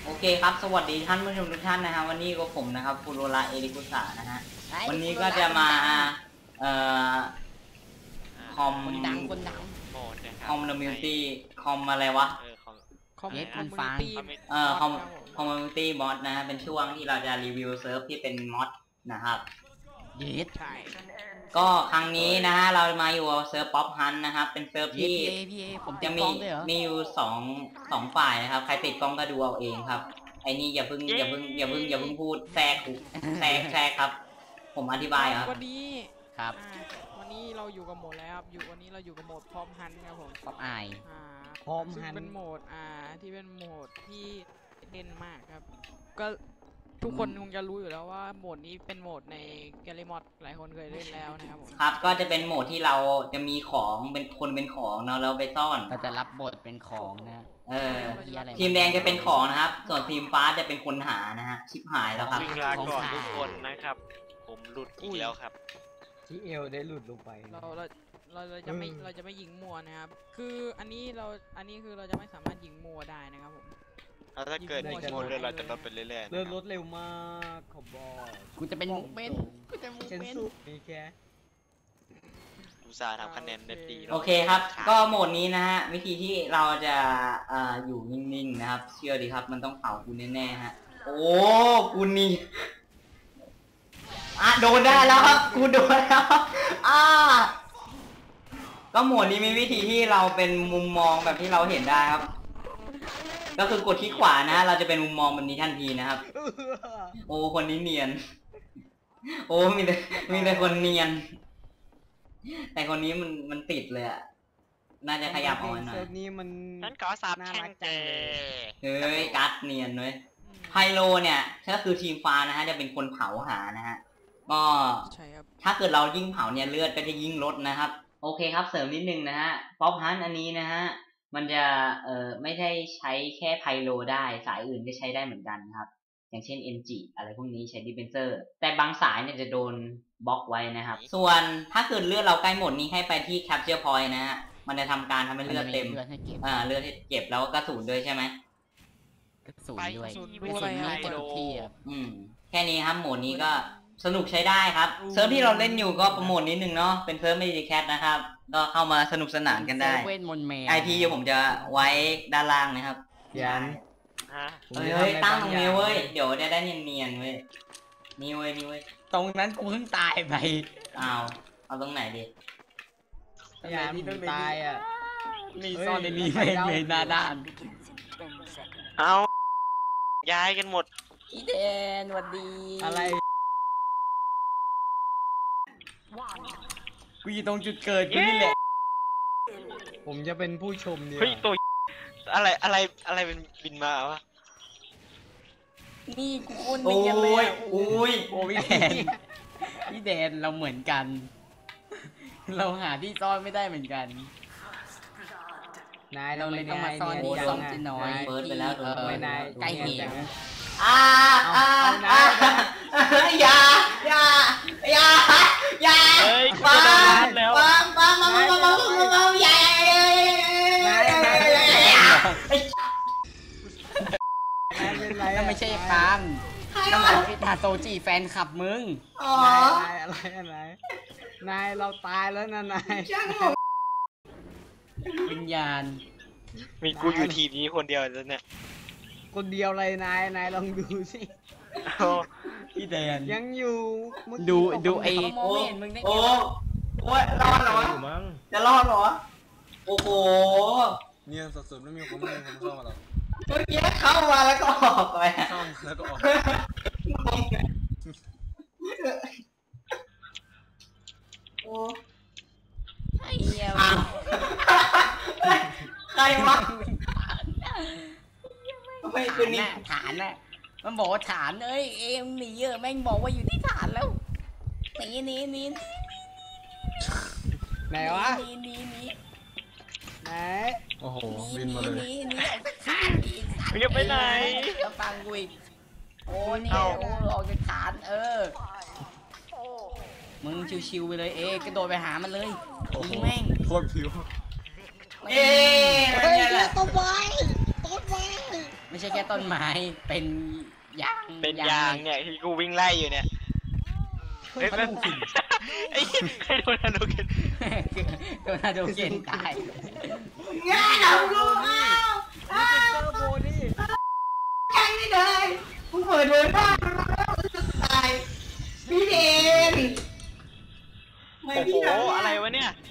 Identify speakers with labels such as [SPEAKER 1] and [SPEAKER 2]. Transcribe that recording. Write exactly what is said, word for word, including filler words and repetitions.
[SPEAKER 1] โอเคครับสวัสดีท่านผู้ชมทุกท่านนะครับวันนี้ก็ผมนะครับฟูโรราเอริกุสะนะฮะวันนี้ก็จะมาเอ่อคอม
[SPEAKER 2] คนดังคนดัง
[SPEAKER 1] โหมดนะครับคอมมูนิตี้คอมอะไรวะ
[SPEAKER 2] เออคอมคอมมูนิตี้
[SPEAKER 1] เอ่อคอมคอมมูนิตี้มอดนะฮะเป็นช่วงที่เราจะรีวิวเซิร์ฟที่เป็นมอดนะครับ
[SPEAKER 2] เยสใช่
[SPEAKER 1] ก็ครั้งนี้นะฮะเรามาอยู่เซิร์ฟป๊อปฮันนะครับเป็นเซิร์ฟที่จะมีมีอยู่สองสองฝ่ายนะครับใครติดกล้องก็ดูเอาเองครับไอ้นี่อย่าเพิ่งอย่าเพิ่งอย่าเพิ่งอย่าเพิ่งพูดแทรกแทรกแทรกครับผมอธิบายครับ
[SPEAKER 3] วันนี้
[SPEAKER 1] ครับ
[SPEAKER 3] วันนี้เราอยู่กับโหมดแล้วครับอยู่วันนี้เราอยู่กับโหมดพร้อมฮันครับผม
[SPEAKER 2] พร้อมไอ
[SPEAKER 3] พร้อมฮันเป็นโหมดอ่าที่เป็นโหมดที่เด่นมากครับก็ทุกคนคงจะรู้อยู่แล้วว่าโหมดนี้เป็นโหมดในแกลลี่มอดหลายคนเคยเล่นแล้วนะครับผม
[SPEAKER 1] ครับก็จะเป็นโหมดที่เราจะมีของเป็นคนเป็นของเนาะเราไปซ่อน
[SPEAKER 2] เราจะรับบทเป็นของนะ
[SPEAKER 1] เออทีมแดงจะเป็นของนะครับส่วนทีมฟ้าจะเป็นคนหานะฮะชิบหายแล้วครับ
[SPEAKER 4] วิ่งลาก่อนทุกคนนะครับผมหลุดอีกแล้วครับ
[SPEAKER 5] ที่เอวได้หลุดลงไป
[SPEAKER 3] เราเราเราจะไม่เราจะไม่ยิงมัวนะครับคืออันนี้เราอันนี้คือเราจะไม่สามารถยิงมัวได้นะครับผม
[SPEAKER 4] ถ้าเกิดยิงมัวเรื่อยเราจะลดไปเรื่อยๆ
[SPEAKER 5] เลื่อนรถเร็วมากขอบบอก
[SPEAKER 2] กูจะเป็นมุกเบนกูจะมุกเบน
[SPEAKER 5] มีแค่
[SPEAKER 4] อุตส่าห์ทำคะแนนได้ดี
[SPEAKER 1] โอเคครับก็โหมดนี้นะฮะวิธีที่เราจะอ่าอยู่นิ่งๆนะครับเชื่อดีครับมันต้องเผากูแน่ๆฮะโอ้กูนี่อ่ะโดนได้แล้วครับกูโดนแล้วอ่าก็โหมดนี้มีวิธีที่เราเป็นมุมมองแบบที่เราเห็นได้ครับก็คือกดที่ขวานะเราจะเป็นมุมมองแบบนี้ทันทีนะครับโอ้คนนี้เนียนโอ้มีแต่มีแต่คนเนียนแต่คนนี้มันมันติดเลยอ่ะน่าจะขยับออกมาหน่อย
[SPEAKER 5] นี้มัน
[SPEAKER 4] นั่นก็สาบแช่งเจ
[SPEAKER 1] เฮ้ยกัดเนียนเลยไฮโลเนี่ยก็คือทีมฟ้านะฮะจะเป็นคนเผาหานะฮะก็ถ้าเกิดเรายิ่งเผาเนี่ยเลือดก็จะยิ่งลดนะครับโอเคครับเสริมนิดนึงนะฮะป๊อปฮันอันนี้นะฮะมันจะเอ่อไม่ได้ใช้แค่ไพโลได้สายอื่นก็ใช้ได้เหมือนกันครับอย่างเช่น เอ็น จี อะไรพวกนี้ใช้ดิฟเฟนเซอร์แต่บางสายเนี่ยจะโดนบล็อกไว้นะครับส่วนถ้าเกิดเลือดเราใกล้หมดนี้ให้ไปที่ Capture Point นะฮะมันจะทำการทำให้เลือดเต็มอ่าเลือดให้เก็บแล้วก็กระสุนด้วยใช่ไหม
[SPEAKER 2] กระสุนด้วย
[SPEAKER 3] กระสุน
[SPEAKER 2] ด้วยตัวที่
[SPEAKER 1] อืมแค่นี้ครับโหมดนี้ก็สนุกใช้ได้ครับเซิร์ฟที่เราเล่นอยู่ก็โปรโมทนิดนึงเนาะเป็นเซิร์ฟไม่ดีแคทนะครับก็เข้ามาสนุกสนานกันได้ไอพีผมจะไว้ด้านล่างนะครับ
[SPEAKER 5] ยัน
[SPEAKER 1] เฮ้ยตั้งตรงนี้เว้ยเดี๋ยวจะได้เนียนๆเว้ยนี่เว้ยนี่เว้ย
[SPEAKER 2] ตรงนั้นกูเพิ่งตายไป
[SPEAKER 1] เอาเอาตรงไหนดิ
[SPEAKER 5] ยันมึงตายอ่ะ
[SPEAKER 2] มีซ่อนในนี้ไม่ไม่หน้าด้าน
[SPEAKER 4] เอาย้ายกันหมด
[SPEAKER 2] อีเดนสวัสดี
[SPEAKER 5] อะไร
[SPEAKER 2] กูอยู่ตรงจุดเกิดกูนี่แหละ
[SPEAKER 5] ผมจะเป็นผู้ชมเนี่ย
[SPEAKER 4] เฮ้ยตัวอะไรอะไรอะไรเป็นบินมาวะ
[SPEAKER 2] นี่กูคนเนียนเลย
[SPEAKER 1] โอ้ย
[SPEAKER 2] โอ้ยแดนพี่แดนเราเหมือนกันเราหาที่ซ่อนไม่ได้เหมือนกัน
[SPEAKER 5] นาย
[SPEAKER 2] เราเลยต้องมาซ่อนที่ซ่อนที่น้อย
[SPEAKER 1] เปิดไปแล้ว
[SPEAKER 2] เออนายใกล้เหว
[SPEAKER 1] อ่าอ่าอ่าอย่าอย่าอย่าอย่า
[SPEAKER 4] เฮ้ยกู
[SPEAKER 1] จะ
[SPEAKER 4] โดนแล้ว
[SPEAKER 1] มามามามามามามาอย่า
[SPEAKER 2] นั่นไม่ใช่ปังนั่นไอ้ทาโตจิแฟนคลับมึง
[SPEAKER 5] นายอะไรอะไรนายเราตายแล้วนะนาย
[SPEAKER 2] วิญญาณ
[SPEAKER 4] มีกูอยู่ทีมนี้คนเดียวแล้วเนี่ย
[SPEAKER 5] คนเดียวเลยนายนายลองดูสิ
[SPEAKER 2] พี่แดน
[SPEAKER 5] ยังอยู่
[SPEAKER 2] ดูดูไอ้
[SPEAKER 1] โอ้โอ้โอ้ยรอดเหรอจะรอดเหรอโอ้โห
[SPEAKER 5] เนี่ยสุดๆไม่มีคนไม่มีคนเข้ามาหรอก
[SPEAKER 1] เมื่อกี้เข้ามาแล้วก็ออกไป
[SPEAKER 5] เข้าแล้วก็ออก
[SPEAKER 1] โอ้
[SPEAKER 2] ไอ้เหี้ย
[SPEAKER 1] ใครวะไม่คือนี่
[SPEAKER 2] ฐานน่ะมันบอกว่าฐานเอ้ยเอ็มหนีเยอะแม่งบอกว่าอยู่ที่ฐานแล้วหนีหนีหนี
[SPEAKER 5] ไหนวะ
[SPEAKER 2] หนีหนีหนี
[SPEAKER 5] ไหน
[SPEAKER 2] โอ้โหบินมาเลยหนีหนีฐาน
[SPEAKER 4] มึงจะไปไหน
[SPEAKER 2] จะฟังกูอีกโอ้นี่โอ้ออกจากฐานเออมึงชิวๆไปเลยเอ๊กระโดดไปหามันเลยยิงแม่ง
[SPEAKER 5] โคตรผิว
[SPEAKER 1] เอ๊ะ
[SPEAKER 2] ต้นไม้ต้นไม้ไม่ใช่แค่ต้นไม้เป็นยาง
[SPEAKER 4] เป็นยางเนี่ยที่กูวิ่งไล่อยู่เนี่ยเฮ้ยเป็นไอ้ใครโดนอนุกิน
[SPEAKER 2] โดนอาโดเกนตาย
[SPEAKER 1] ง่ายเอาลูกอ้าวอ้าว
[SPEAKER 5] เจอโบนี่
[SPEAKER 1] แข่งนี่เลยมึงเปิดเดินบ้านแล้วจะตายพี่เดนไม่
[SPEAKER 4] โอ้โห
[SPEAKER 1] พี่ทำ
[SPEAKER 4] อะไรวะเนี่ย